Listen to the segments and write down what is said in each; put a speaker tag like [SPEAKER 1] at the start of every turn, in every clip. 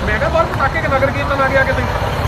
[SPEAKER 1] ਮੈਂ ਕਿਹਾ ਬਾਹਰ ਪਟਾਕੇ ਕਿ ਨਗਰ ਕੀਰਤਨ ਆ ਗਿਆ ਕਿਤੇ।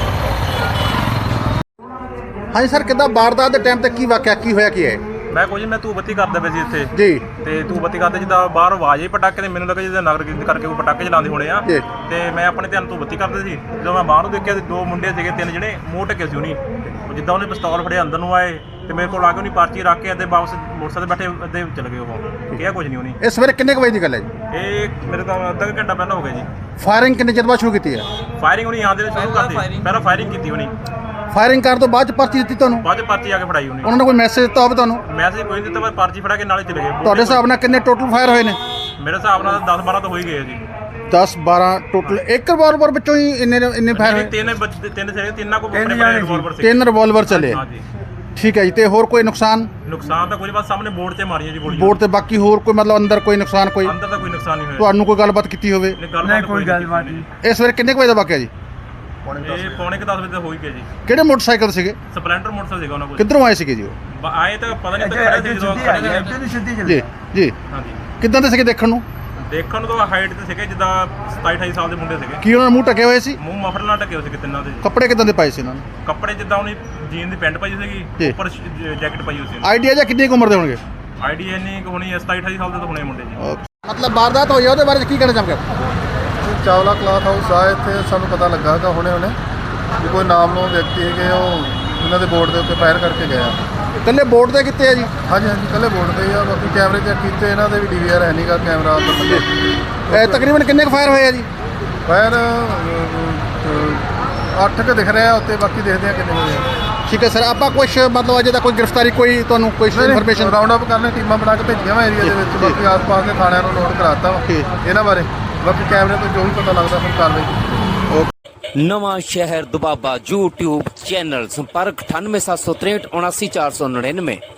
[SPEAKER 2] ਹਾਂਜੀ ਸਰ, ਕਿੱਦਾਂ ਵਾਰਦਾਤ ਦੇ ਟਾਈਮ ਤੇ ਕੀ ਵਾਕਿਆ ਕੀ ਹੋਇਆ ਕੀ ਹੈ?
[SPEAKER 1] ਮੈਂ ਕੁਝ ਮੈਂ ਧੂਫ ਬੱਤੀ ਕਰਦੇ ਪਏ ਸੀ ਇੱਥੇ
[SPEAKER 2] ਜੀ।
[SPEAKER 1] ਤੇ ਧੂਫ ਬੱਤੀ ਕਰਦੇ ਜਿੱਦਾਂ ਬਾਹਰ ਆਵਾਜ਼ ਹੀ ਪਟਾਕੇ ਤੇ ਮੈਨੂੰ ਲੱਗਾ ਜਿੱਦਾਂ ਨਗਰ ਕੀਰਤਨ ਕਰਕੇ ਕੋਈ ਪਟਾਕੇ ਚਲਾਉਂਦੇ ਹੋਣੇ ਆ।
[SPEAKER 2] ਜੀ।
[SPEAKER 1] ਤੇ ਮੈਂ ਆਪਣੇ ਧਿਆਨ ਧੂਫ ਬੱਤੀ ਕਰਦੇ ਸੀ, ਜਦੋਂ ਮੈਂ ਬਾਹਰ ਨੂੰ ਦੇਖਿਆ ਤੇ ਦੋ ਮੁੰਡੇ ਸੀਗੇ, ਤਿੰਨ ਜਿਹੜੇ ਮੂੰਹ ਢੱਕੇ ਸੀ ਉਹਨੀ, ਜਿੱਦਾਂ ਉਹਨੇ ਪਿਸਤੌਲ ਫੜਿਆ ਅੰਦਰ ਨੂੰ ਆਏ ਤੇ ਮੇਰੇ ਕੋਲ ਆ ਕੇ ਉਹਨੇ ਪਰਚੀ ਰੱਖ ਕੇ ਅਤੇ ਵਾਪਸ ਮੋਟਰਸਾਈਕਲ ਤੇ ਬੈਠੇ ਅੱਧੇ ਚਲੇ ਗਏ। ਉਹ ਕਿਹਾ ਕੁਝ ਨਹੀਂ ਉਹਨੇ।
[SPEAKER 2] ਇਹ ਸਵੇਰੇ ਕਿੰਨੇ ਕੁ ਵਜੇ ਦੀ ਗੱਲ ਹੈ ਜੀ?
[SPEAKER 1] ਇਹ ਮੇਰੇ ਤਾਂ ਅੱਧਾ ਕੁ ਘੰਟਾ ਪਹਿਲਾਂ ਹੋ ਗਿਆ ਜੀ।
[SPEAKER 2] ਫਾਇਰਿੰਗ ਕਿੰਨੇ ਚਿਰ ਬਾਅਦ ਸ਼ੁਰੂ ਕੀਤੀ ਹੈ?
[SPEAKER 1] ਫਾਇਰਿੰਗ ਉਹਨੇ ਆਉਂਦੇ ਨੇ ਸ਼ੁਰੂ ਕਰਤੀ, ਪਹਿਲਾਂ ਫਾਇਰਿੰਗ ਕੀਤੀ ਉਹਨੇ,
[SPEAKER 2] ਫਾਇਰਿੰਗ ਕਰਨ ਤੋਂ ਬਾਅਦ ਚ ਪਰਚੀ ਦਿੱਤੀ ਤੁਹਾਨੂੰ?
[SPEAKER 1] ਬਾਅਦ 'ਚ ਪਰਚੀ ਆ ਕੇ ਫੜਾਈ ਉਹਨੇ।
[SPEAKER 2] ਉਹਨਾਂ ਨੇ ਕੋਈ ਮੈਸੇਜ ਦਿੱਤਾ ਹੋਵੇ ਤੁਹਾਨੂੰ?
[SPEAKER 1] ਮੈਸੇਜ ਕੋਈ ਨਹੀਂ ਦਿੱਤਾ, ਪਰ ਪਰਚੀ ਫੜਾ ਕੇ ਨਾਲੇ ਚਲੇ ਗਏ।
[SPEAKER 2] ਤੁਹਾਡੇ ਹਿਸਾਬ ਨਾਲ ਕਿੰਨੇ ਟੋਟਲ ਫਾਇਰ ਹੋਏ ਨੇ?
[SPEAKER 1] ਮੇਰੇ ਹਿਸਾਬ ਨਾਲ 10-12 ਤਾਂ ਹੋ ਹੀ ਗਏ ਆ ਜੀ।
[SPEAKER 2] 10-12 ਟੋਟਲ। ਇੱਕ ਰਿਵਾਲਵਰ ਵਿੱਚੋਂ ਹੀ ਇੰਨੇ ਫਾਇਰ ਹੋਏ?
[SPEAKER 1] ਤਿੰਨ ਸੀਗੇ, ਤਿੰਨਾਂ ਕੋਲ ਆਪਣੇ ਰਿਵਾਲਵਰ ਸੀ।
[SPEAKER 2] 3 ਰਿਵਾਲਵਰ ਚੱਲੇ?
[SPEAKER 1] ਹਾਂਜੀ।
[SPEAKER 2] ਠੀਕ ਹੈ ਜੀ। ਤੇ ਹੋਰ ਕੋਈ ਨੁਕਸਾਨ?
[SPEAKER 1] ਨੁਕਸਾਨ ਤਾਂ ਕੋਈ ਬਸ ਸਾਹਮਣੇ ਬੋਰਡ ਤੇ ਮਾਰੀਆਂ ਜੀ ਗੋਲੀਆਂ।
[SPEAKER 2] ਬੋਰਡ ਤੇ ਬਾਕੀ ਹੋਰ ਕੋਈ ਮਤਲਬ ਅੰਦਰ ਕੋਈ ਨੁਕਸਾਨ? ਕੋਈ
[SPEAKER 1] ਅੰਦਰ ਤਾਂ ਕੋਈ ਨੁਕਸਾਨ ਨਹੀਂ ਹੋਇਆ।
[SPEAKER 2] ਤੁਹਾਨੂੰ ਕੋਈ ਗੱਲਬਾਤ ਕੀਤੀ ਹੋਵੇ?
[SPEAKER 1] ਨਹੀਂ, ਕੋਈ ਗੱਲਬਾਤ ਨਹੀਂ।
[SPEAKER 2] ਇਹ ਸਵੇਰੇ ਕਿੰਨੇ ਕੁ ਵਜੇ ਦਾ ਵਾਕਿਆ ਜੀ?
[SPEAKER 1] ਇਹ ਪੌਣੇ 10 ਵਜੇ ਤਾਂ ਹੋ ਹੀ ਗਿਆ ਜੀ।
[SPEAKER 2] ਕਿਹੜੇ ਮੋਟਰਸਾਈਕਲ ਸੀਗੇ?
[SPEAKER 1] ਸਪਲੈਂਡਰ ਮੋਟਰਸਾਈਕਲ ਸੀਗਾ ਉਹਨਾਂ ਕੋਲ।
[SPEAKER 2] ਕਿੱਧਰੋਂ ਆਏ ਸੀਗੇ ਜੀ ਉਹ?
[SPEAKER 1] ਆਏ ਤਾਂ ਪਤਾ ਨਹੀਂ ਤਾਂ ਖੜੇ ਸੀ ਜਦੋਂ ਖੜੇ ਸੀ।
[SPEAKER 2] ਜੀ ਜੀ।
[SPEAKER 1] ਹਾਂਜੀ।
[SPEAKER 2] ਕਿੱਦਾਂ ਦੇ ਸੀਗੇ ਦੇਖਣ ਨੂੰ?
[SPEAKER 1] ਦੇਖਣ ਨੂੰ ਤਾਂ ਹਾਈਟ ਤੇ ਸੀਗੇ ਜਿੱਦਾਂ 27-28 ਸਾਲ ਦੇ ਮੁੰਡੇ ਸੀਗੇ।
[SPEAKER 2] ਕੀ ਉਹਨਾਂ ਨੇ ਮੂੰਹ ਢਕੇ ਹੋਏ ਸੀ?
[SPEAKER 1] ਮੂੰਹ ਮਫਲਰ ਨਾਲ ਢਕੇ ਹੋਏ ਸੀਗੇ ਤਿੰਨਾਂ ਦੇ।
[SPEAKER 2] ਕੱਪੜੇ ਕਿੱਦਾਂ ਦੇ ਪਾਏ ਸੀ ਇਹਨਾਂ ਨੇ?
[SPEAKER 1] ਕੱਪੜੇ ਜਿੱਦਾਂ ਉਹਨੇ ਜੀਨ ਦੀ ਪੈਂਟ ਪਾਈ ਸੀਗੀ,
[SPEAKER 2] ਜੀ।
[SPEAKER 1] ਉੱਪਰ ਜੈਕਟ ਪਾਈ ਹੋਈ ਸੀ।
[SPEAKER 2] ਆਈਡੀਆ ਜਾਂ ਕਿੰਨੀ ਕੁ ਉਮਰ ਦੇ ਹੋਣਗੇ?
[SPEAKER 1] ਆਈਡੀ ਇੰਨੀ ਕੁ ਹੋਣੀ 27-28 ਸਾਲ ਦੇ ਤਾਂ ਹੋਣੇ ਮੁੰਡੇ ਜੀ।
[SPEAKER 2] ਮਤਲਬ ਵਾਰਦਾਤ ਹੋਈ ਆ, ਉਹਦੇ ਬਾਰੇ ਕੀ ਕਹਿਣਾ ਚਾਹੁੰਦੇ?
[SPEAKER 3] ਚਾਵਲਾ ਕਲਾਥ ਹਾਊਸ ਆ, ਇੱਥੇ ਸਾਨੂੰ ਪਤਾ ਲੱਗਾ ਕਿ ਹੁਣੇ ਵੀ ਕੋਈ ਨਾਮਨੋਮ ਵਿਅਕਤੀ ਹੈਗੇ ਉਹ ਇਹਨਾਂ ਦੇ ਬੋਰਡ ਦੇ ਉੱਤੇ ਫਾਇਰ ਕਰਕੇ ਗਏ ਆ।
[SPEAKER 2] ਇਕੱਲੇ ਬੋਰਡ ਤੇ ਕਿੱਥੇ ਆ ਜੀ?
[SPEAKER 3] ਹਾਂਜੀ ਹਾਂਜੀ, ਇਕੱਲੇ ਬੋਰਡ ਤੇ ਹੀ ਆ। ਬਾਕੀ ਕੈਮਰੇ ਚੈੱਕ ਕੀਤੇ, ਇਹਨਾਂ ਦੇ ਵੀ DVR ਹੈ ਨਹੀਂਗਾ ਕੈਮਰਾ ਅੰਦਰ।
[SPEAKER 2] ਤਕਰੀਬਨ ਕਿੰਨੇ ਕੁ ਫਾਇਰ ਹੋਏ ਆ ਜੀ?
[SPEAKER 3] ਫਾਇਰ 8 ਕੁ ਦਿਖ ਰਿਹਾ ਉੱਤੇ, ਬਾਕੀ ਦੇਖਦੇ ਆ ਕਿੰਨੇ ਹੋਏ ਆ।
[SPEAKER 2] ਠੀਕ ਹੈ ਸਰ। ਆਪਾਂ ਕੁਛ ਮਤਲਬ ਅਜੇ ਤੱਕ ਕੋਈ ਗ੍ਰਿਫਤਾਰੀ ਕੋਈ ਤੁਹਾਨੂੰ ਕੋਈ ਇਨਫੋਰਮੇਸ਼ਨ?
[SPEAKER 3] ਰਾਉਂਡ ਅਪ ਕਰਨੇ, ਟੀਮਾਂ ਬਣਾ ਕੇ ਭੇਜੀਆਂ ਵਾ ਏਰੀਆ ਦੇ ਵਿੱਚ। ਬਾਕੀ ਆਸ-ਪਾਸ ਦੇ ਥਾਣਿਆਂ ਨੂੰ ਨੋਟ ਕਰਾਤਾ ਵਾ ਇਹਨਾਂ ਬਾਰੇ। ਬਾਕੀ ਕੈਮਰੇ ਤੋਂ ਜੋ ਵੀ ਪਤਾ ਲੱਗਦਾ ਫਿਰ ਕਾਰਵਾਈ।
[SPEAKER 4] ਨਵਾਂ ਸ਼ਹਿਰ ਦੁਬਾਬਾ YouTube ਚੈਨਲ। ਸੰਪਰਕ 9876379499।